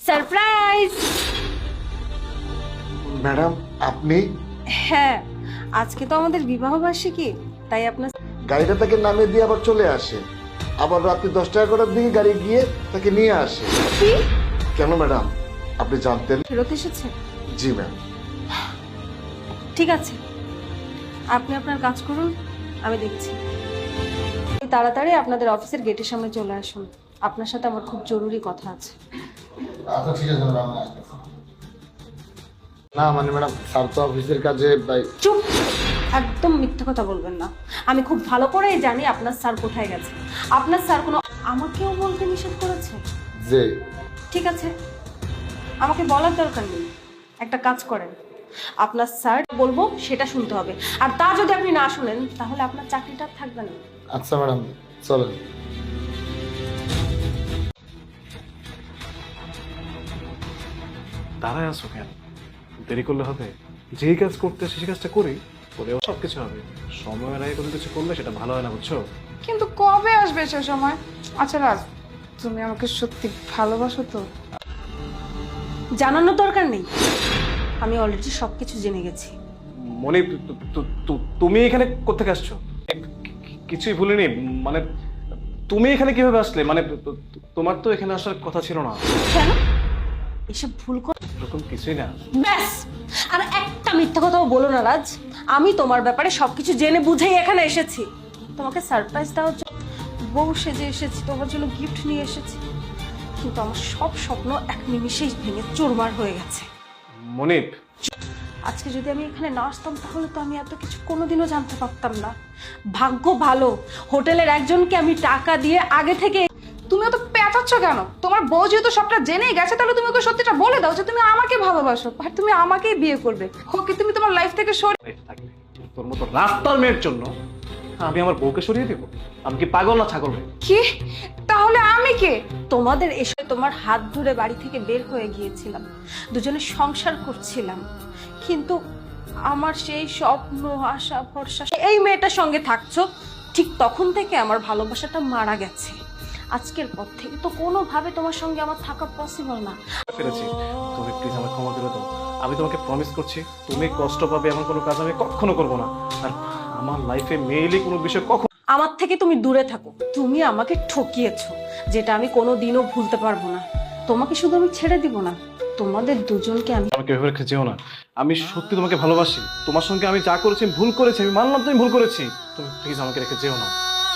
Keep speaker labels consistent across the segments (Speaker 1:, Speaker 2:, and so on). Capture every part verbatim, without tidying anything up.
Speaker 1: Surprise.
Speaker 2: Madam আপনি?
Speaker 1: হ্যাঁ, আজকে তো আমাদের বিবাহ বার্ষিকী, তাই আপনার
Speaker 2: গাড়িটা তাকে নামিয়ে দিয়ে আবার চলে আসে, আবার রাত্রি দশটা এগারোটার দিকে গাড়ি গিয়ে তাকে নিয়ে আসে।
Speaker 1: কি
Speaker 2: কেন ম্যাডাম, আপনি জানতেন?
Speaker 1: ফেরত এসেছে?
Speaker 2: জি ম্যাম।
Speaker 1: ঠিক আছে, আপনি আপনার কাজ করুন, আমি দেখছি। তাড়াতাড়ি আপনাদের অফিসের গেটের সামনে চলে আসুন, আপনার সাথে আমার খুব জরুরি কথা আছে।
Speaker 2: আচ্ছা ঠিক আছে ম্যাডাম। না মানে ম্যাডাম, স্যার তো অফিসের কাজে বাই।
Speaker 1: চুপ, একদম মিথ্যা কথা বলবেন না। আমি খুব ভালো করেই জানি আপনার স্যার কোথায় গেছে। আপনার স্যার কোনো আমাকেও বলতে নিষেধ করেছে?
Speaker 2: যে
Speaker 1: ঠিক আছে, আমাকে বলার দরকার নেই। একটা কাজ করেন, আপনার স্যার বলবো সেটা শুনতে হবে, আর তা যদি আপনি না শুনেন তাহলে আপনার চাকরিটা আর থাকবে না।
Speaker 2: আচ্ছা ম্যাডাম, চলেন।
Speaker 3: দাঁড়ায় আছো কেন? দেরি করলে হবে? যেই কাজ করতে সেই কাজটা করি, করেও সব কিছু হবে। সময়ের আগে কোনো কিছু করলে সেটা ভালো হয় না, বুঝছো?
Speaker 4: কিন্তু কবে আসবে সে সময়? আচ্ছা রাজ, তুমি আমাকে সত্যি ভালোবাসো তো?
Speaker 1: জানানোর দরকার নেই, আমি অলরেডি সবকিছু জেনে গেছি।
Speaker 3: মনে তু- তু- তু- তুমি এখানে কোত্থেকে আসছো? কি- কিছুই ভুলিনি, মানে তুমি এখানে কিভাবে আসলে? মানে তু- তু- তোমার তো এখানে আসার কথা ছিল না।
Speaker 1: কেন এসব ভুল কর?
Speaker 3: এরকম কিছুই না।
Speaker 1: ব্যাস, আর একটা মিথ্যা কথাও বলো না রাজ। আমি তোমার ব্যাপারে সবকিছু জেনে বুঝেই এখানে এসেছি। তোমাকে সারপ্রাইজ দেওয়ার জন্য বউ সেজে এসেছি, তোমার জন্য গিফট নিয়ে এসেছি, কিন্তু আমার সব স্বপ্ন এক নিমিষেই ভেঙে চুরমার হয়ে গেছে।
Speaker 3: মনিপ,
Speaker 1: আজকে যদি আমি এখানে না আসতাম তাহলে তো আমি এত কিছু কোনোদিনও জানতে পারতাম না। ভাগ্য ভালো, হোটেলের একজনকে আমি টাকা দিয়ে আগে থেকে।
Speaker 4: তুমি অত পেঁচাচ্ছ কেন? তোমার বউ যেহেতু সবটা জেনেই গেছে, তাহলে তুমি ওকে সত্যিটা বলে দাও যে তুমি আমাকে ভালোবাসো আর তুমি আমাকেই বিয়ে করবে। ওকে তুমি তোমার লাইফ থেকে সরিয়ে
Speaker 3: লাইফে থাকলে তোর মতো রাস্তার মেয়ের জন্য আমি আমার বউকে সরিয়ে দেবো? আমি কি পাগল না ছাগল রে?
Speaker 4: কি? তাহলে আমি কে?
Speaker 1: তোমাদের এসে তোমার হাত ধরে বাড়ি থেকে বের হয়ে গিয়েছিলাম, দুজনে সংসার করছিলাম, কিন্তু আমার সেই স্বপ্ন আশা ভরসা এই মেয়েটার সঙ্গে থাকছো, ঠিক তখন থেকে আমার ভালোবাসাটা মারা গেছে। আজকের পর থেকে তো কোনোভাবে তোমার সঙ্গে আমার থাকা পসিবল না।
Speaker 3: পেরেছি, তুমি প্লিজ আমাকে ক্ষমা করে দাও। আমি তোমাকে প্রমিস করছি, তুমি কষ্ট পাবে এমন কোনো কাজ আমি কখনো করবো না। আর আমার লাইফে মেইলি কোনো বিষয় কখন
Speaker 1: আমার থেকে তুমি দূরে থাকো। তুমি আমাকে ঠকিয়েছো, যেটা আমি কোনোদিনও ভুলতে পারবো না। তোমাকে শুধু আমি ছেড়ে দিব না, তোমাদের দুজনকে আমি।
Speaker 3: আমাকে ভেবে রেখে যেও না। আমি সত্যি তোমাকে ভালোবাসি। তোমার সঙ্গে আমি যা করেছি আমি ভুল করেছি, আমি মানলাম তুমি ভুল করেছি। তুমি প্লিজ আমাকে রেখে যেও না।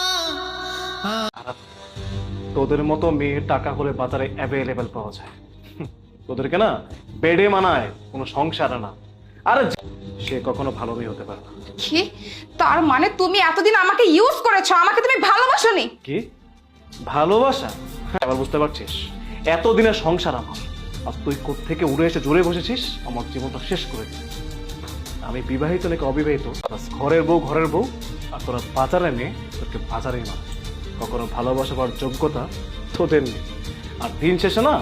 Speaker 3: আর তোদের মতো মেয়ে টাকা করে বাজারে অ্যাভেলেবেল পাওয়া যায়। হুম, তোদেরকে না বেডে মানায়, কোনো সংসার না। আর সে কখনো ভালো মেয়ে হতে পারে না।
Speaker 4: কি? তার মানে তুমি এতদিন আমাকে ইউজ করেছো, আমাকে তুমি ভালোবাসোনি?
Speaker 3: কি ভালোবাসা? হ্যাঁ, এবার বুঝতে পারছিস? এতদিনের সংসার আমার, আর তুই কোত্থেকে উড়ে এসে জুড়ে বসেছিস, আমার জীবনটা শেষ করে দিস। আমি বিবাহিত নাকি অবিবাহিত, বাস ঘরের বউ ঘরের বউ, আর তোরা বাজারে মেয়ে, তোকে বাজারেই না। কখনো ভালোবাসা পাওয়ার যোগ্যতা তোদের নেই। আর দিন শেষে না।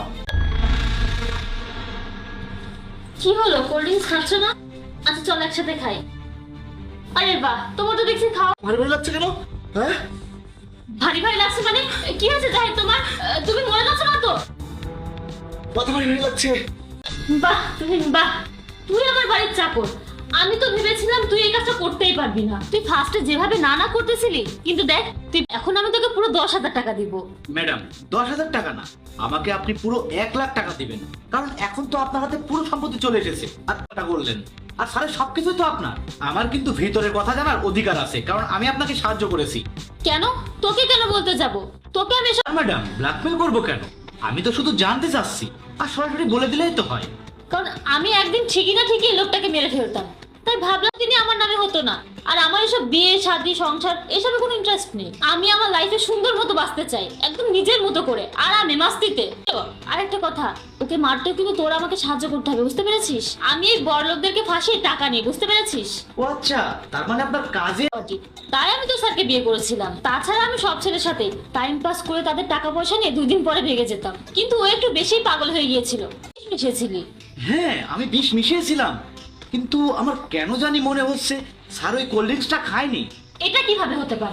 Speaker 5: কি হলো, কোল্ড ড্রিঙ্কস খাচ্ছ না? আচ্ছা চল একসাথে খাই। আরে বাহ, তোমার তো দেখছি খাও।
Speaker 2: ভারী ভারী লাগছে কেন? হ্যাঁ,
Speaker 5: ভারী ভারী লাগছে মানে কি হয়েছে জাহিদ তোমার? আহ, তুমি মরে যাচ্ছ না তো?
Speaker 2: মাথা ভারী ভারী লাগছে।
Speaker 5: বাহ তুমি বাহ, তুই আমার বাড়ির চাকর। আমি তো ভেবেছিলাম তুই এই কাজটা করতেই পারবি না। তুই ফার্স্টে যেভাবে না না করতেছিলি, কিন্তু দেখ তুই এখন আমি তোকে পুরো দশ হাজার টাকা দিব।
Speaker 6: ম্যাডাম, দশ হাজার টাকা না, আমাকে আপনি পুরো এক লাখ টাকা দিবেন, কারণ এখন তো আপনার হাতে পুরো সম্পত্তি চলে এসেছে। আর টাকা বললেন, আর স্যারের সবকিছু তো আপনার। আমার কিন্তু ভিতরের কথা জানার অধিকার আছে, কারণ আমি আপনাকে সাহায্য করেছি।
Speaker 5: কেন? তোকে কেন বলতে যাব? তোকে আমি এসব-
Speaker 6: আর ম্যাডাম, ব্ল্যাকমেল করবো কেন? আমি তো শুধু জানতে চাচ্ছি, আর সরাসরি বলে দিলেই তো হয়।
Speaker 5: কারণ আমি একদিন ঠিকই না ঠিকই লোকটাকে মেরে ফেলতাম, তাই ভাবলাম তিনি আমার নামে হতো না। আর আমার এসব বিয়ে শাদী সংসার এসবে কোনো ইন্টারেস্ট নেই। আমি আমার লাইফে সুন্দর মতো বাঁচতে চাই, একদম নিজের মতো করে আরামে মাস্তিতে। আর একটা কথা, ওকে মারতেও কিন্তু তোরা আমাকে সাহায্য করতে হবে, বুঝতে পেরেছিস? আমি এই বড়লোকদেরকে ফাঁসিয়ে টাকা নিই, বুঝতে পেরেছিস?
Speaker 6: ও আচ্ছা, তার মানে আপনার কাজে।
Speaker 5: তাই আমি তো স্যারকে বিয়ে করেছিলাম। তাছাড়া আমি সব ছেলের সাথে টাইম পাস করে তাদের টাকা পয়সা নিয়ে দুই দিন পরে ভেগে যেতাম, কিন্তু ও একটু বেশি পাগল হয়ে গিয়েছিল। মিশেছিলি?
Speaker 6: হ্যাঁ, আমি বিষ মিশিয়েছিলাম, কিন্তু আমার কেন জানি মনে হচ্ছে স্যার ওই কোল্ড ড্রিঙ্কসটা খায়নি।
Speaker 5: এটা কিভাবে হতে পারে?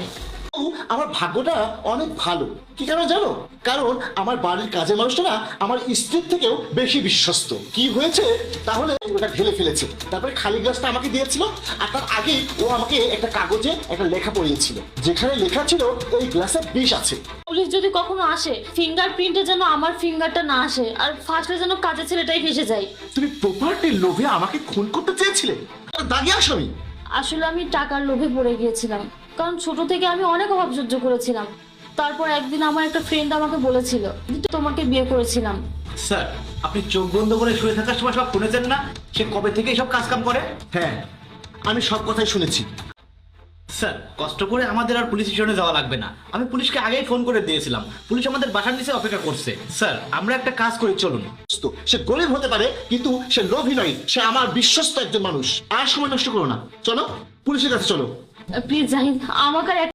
Speaker 7: ও, আমার ভাগ্যটা অনেক ভালো। কি কারণ জানো? কারণ আমার বাড়ির কাজের মানুষটা না আমার স্ত্রীর থেকেও বেশি বিশ্বস্ত। কি হয়েছে তাহলে, ওটা ঢেলে ফেলেছে, তারপরে খালি গ্লাসটা আমাকে দিয়েছিল, আর তার আগে ও আমাকে একটা কাগজে একটা লেখা পড়িয়েছিল, যেখানে লেখা ছিল এই গ্লাসে বিষ আছে।
Speaker 5: পুলিশ যদি কখনো আসে, ফিঙ্গারপ্রিন্টে যেন আমার ফিঙ্গারটা না আসে, আর ফার্স্টে যেন কাজের ছেলেটাই ফেসে যায়।
Speaker 7: তুমি প্রপার্টির লোভে আমাকে খুন করতে চেয়েছিলে? আর দাগি আসামি।
Speaker 5: আসলে আমি টাকার লোভে পড়ে গিয়েছিলাম, কারণ ছোট থেকে আমি অনেক অভাব সহ্য করেছিলাম। তারপর একদিন আমার একটা ফ্রেন্ড আমাকে বলেছিল যে তোমাকে বিয়ে করেছিলাম।
Speaker 6: স্যার, আপনি চোখ বন্ধ করে শুয়ে থাকার সময় সব শুনেছেন না সে কবে থেকে সব কাজ কাম করে?
Speaker 7: হ্যাঁ, আমি সব কথাই শুনেছি।
Speaker 6: স্যার, কষ্ট করে আমাদের আর পুলিশ স্টেশনে যাওয়া লাগবে না, আমি পুলিশকে আগেই ফোন করে দিয়েছিলাম, পুলিশ আমাদের বাসার নিচে অপেক্ষা করছে। স্যার, আমরা একটা কাজ করি, চলুন।
Speaker 7: তো সে গরিব হতে পারে, কিন্তু সে লোভী নয়, সে আমার বিশ্বস্ত একজন মানুষ। আর সময় নষ্ট করো না, চলো পুলিশের কাছে চলো।
Speaker 5: প্লিজ জাহিদ, আমাকে আর